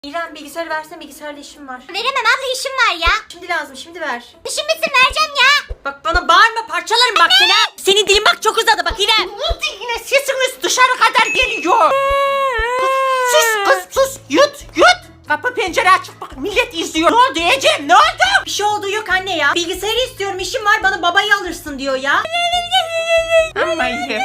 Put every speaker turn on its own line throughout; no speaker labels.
İrem bilgisayarı versene, bilgisayarla işim var.
Veremem abla, işim var ya.
Şimdi lazım, şimdi ver.
İşim bitsin vereceğim ya.
Bak bana bağırma, parçalarım bak seni. Senin dilin bak çok uzadı bak İrem.
Yine sesiniz dışarı kadar geliyor. Kız sus yut. Kapı pencere açık bak, millet izliyor. Ne oldu Ecem, ne oldu?
Bir şey olduğu yok anne ya. Bilgisayarı istiyorum, işim var, bana babayı alırsın diyor ya.
Ama iyi.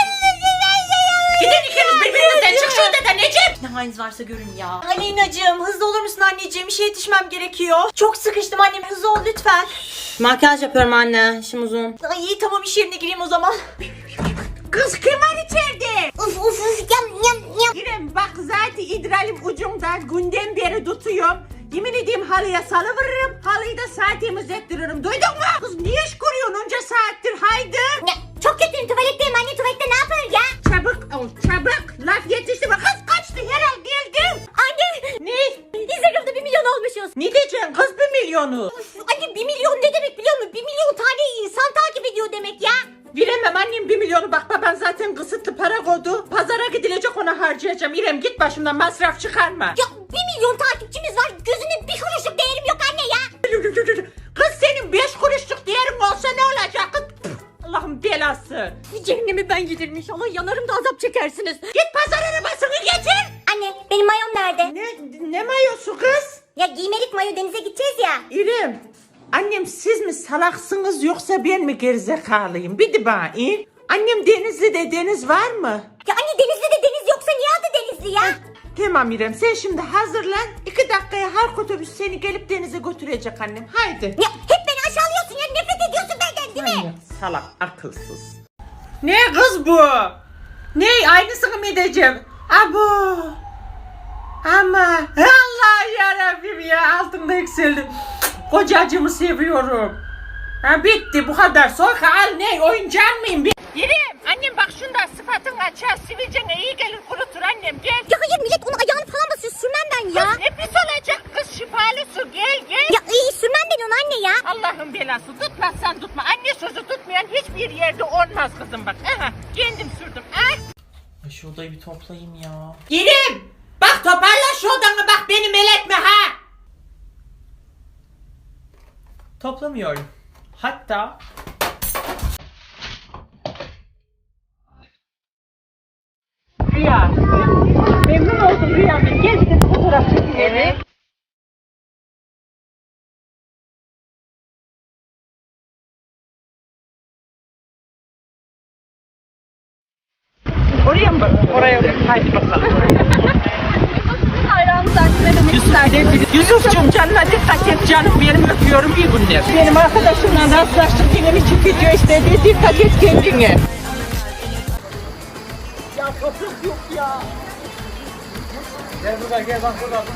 Gidin ikiniz birbirinizden, çık şu odadan Ecem.
Ne haliniz varsa görün ya. Aleyna'cığım hızlı olur musun anneciğim? İşe yetişmem gerekiyor. Çok sıkıştım annem, hızlı ol lütfen. Makyaj yapıyorum anne, işim uzun. Ay iyi tamam, iş yerine gireyim o zaman.
Kız kim var içeride?
Uf yam.
İrem bak zaten idralim ucumdan günden beri tutuyorum. Yemin edeyim halıya salıveririm, halıyı da saat temizlettiririm. Duydun mu? Kız niye iş kuruyorsun onca saattir, haydi.
Ya, çok kötüyüm, tuvaletteyim anne, tuvalette ne yapıyoruz ya?
Çabuk ol çabuk, laf yetişti mi? Kız kaçtı herhal geldim.
Anne.
Ne?
Instagram'da 1 milyon olmuşuz.
Ne diyeceksin kız 1 milyonu?
Anne 1 milyon ne demek biliyor musun? 1 milyon tane insan takip ediyor demek ya.
Veremem annem 1 milyonu, bak baban zaten kısıtlı para koydu. Pazara gidilecek, ona harcayacağım. İrem git başımdan, masraf çıkarma.
Ya 1 milyon takipçimiz var, gözünün bir kuruşluk değerim yok anne ya.
Kız senin 5 kuruşluk değerin olsa ne olacak? Kız, Allah'ın belası.
Cehennemi ben giderim inşallah, yanarım da azap çekersiniz.
Git pazar arabasını getir.
Anne benim mayom nerede?
Ne mayosu kız?
Ya giymelik mayo, denize gideceğiz ya.
İrem, annem siz mi salaksınız yoksa ben mi gerizekalıyım? Bir de bana in. Annem Denizli'de, deniz var mı?
Ya anne Denizli'de deniz yoksa niye adı Denizli ya?
Tamam İrem, sen şimdi hazırlan. 2 dakikaya halk otobüs seni gelip denize götürecek annem. Haydi.
Ya hep beni aşağılıyorsun ya, nefret ediyorsun benden değil mi?
Annem salak, akılsız. Ne kız bu? Ne, aynısını mı edeceğim? Abo. Ama Allah yarabbim ya, altında yükseldim. Kocacığımı seviyorum. Ha bitti bu kadar. Soyka al, ne oyuncak mıyım? İrem, annem bak şundan sıfatın açar, sivilcene iyi gelir, kurutur annem, gel.
Ya hayır, millet onu ayağını falan basıyor, sürmem ben ya.
Kız ne pis olacak kız, şifalı su, gel.
Ya iyi, sürmem ben onu anne ya.
Allah'ın belası, tutmazsan tutma. Anne sözü tutmayan hiçbir yerde olmaz kızım bak. Aha, kendim sürdüm.
Şu odayı bir toplayayım ya.
İrem, bak toparla şu odanı, bak beni meletme ha.
Toplamıyorum. Hatta
Rüya, memnun oldum Rüya'nın. Gel bir de fotoğraf çekelim. Evet. Oraya mı bak? Oraya. Haydi bakalım. Yusuf'cum canına dikkat et canım, benim öpüyorum, iyi günler. Benim arkadaşımla rastlaştık, yine bir video istedi, dikkat et kendine. Ya toprak yok ya.
Gel burada, gel bak burada.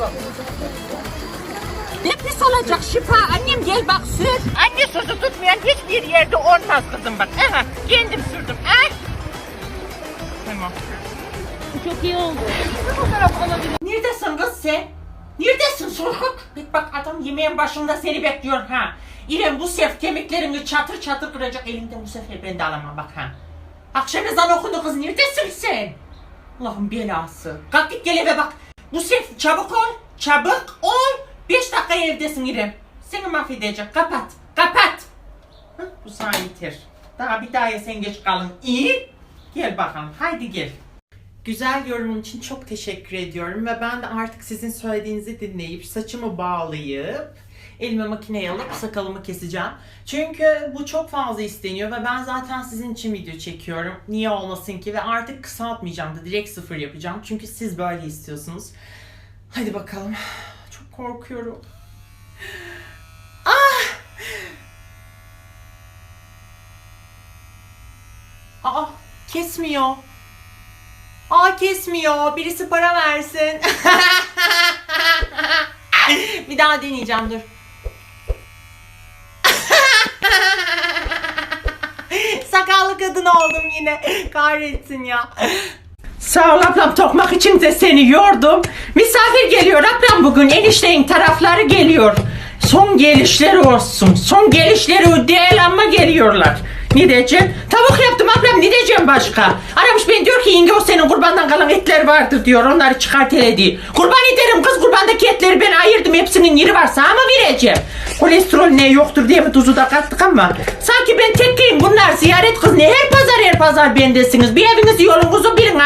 Ne pis olacak şifa, annem gel bak sür. Anne sözü tutmayan hiçbir yerde olmaz kızım bak. Aha, kendim sürdüm. Tamam.
Çok iyi oldu.
Neredesin kız sen? Neredesin Sorkut? Bak adam yemeğin başında seni bekliyor ha. İrem bu sefer kemiklerini çatır çatır kıracak, elinden bu sefer ben de alamam bak ha. Akşam ezanı okundu kız, neredesin sen? Allah'ın belası. Kalk git gel eve bak. Bu sefer çabuk ol, çabuk ol. 5 dakika evdesin İrem. Seni mahvedecek, kapat. Hı, bu sana yeter. Daha bir daha sen geç kalın. İyi. Gel bakalım, haydi gel.
güzel yorumun için çok teşekkür ediyorum ve ben de artık sizin söylediğinizi dinleyip saçımı bağlayıp elime makineyi alıp sakalımı keseceğim. Çünkü bu çok fazla isteniyor ve ben zaten sizin için video çekiyorum. Niye olmasın ki, ve artık kısaltmayacağım da direkt 0 yapacağım. Çünkü siz böyle istiyorsunuz. Hadi bakalım. Çok korkuyorum. Aa, kesmiyor. Kesmiyor. Birisi para versin. Bir daha deneyeceğim, dur. Sakallı kadın oldum yine. Kahretsin ya.
Sağ ol ablam, tokmak için de seni yordum. Misafir geliyor ablam bugün, enişteyin tarafları geliyor. Son gelişleri olsun. Son gelişleri değil ama geliyorlar. Ne diyeceğim? Tavuk yaptım ablam, ne diyeceğim başka? Aramış beni, diyor ki yenge o senin kurbandan kalan etler vardır diyor, onları çıkart hele diyor. Kurban ederim kız, kurbandaki etleri ben ayırdım, hepsinin yeri var, sana mı vereceğim? Kolesterol ne yoktur diye mi tuzu da kattık ama sanki ben tekkeyim, bunlar ziyaret kız, ne her pazar bendesiniz, bir evinizi yolunuzu bilin.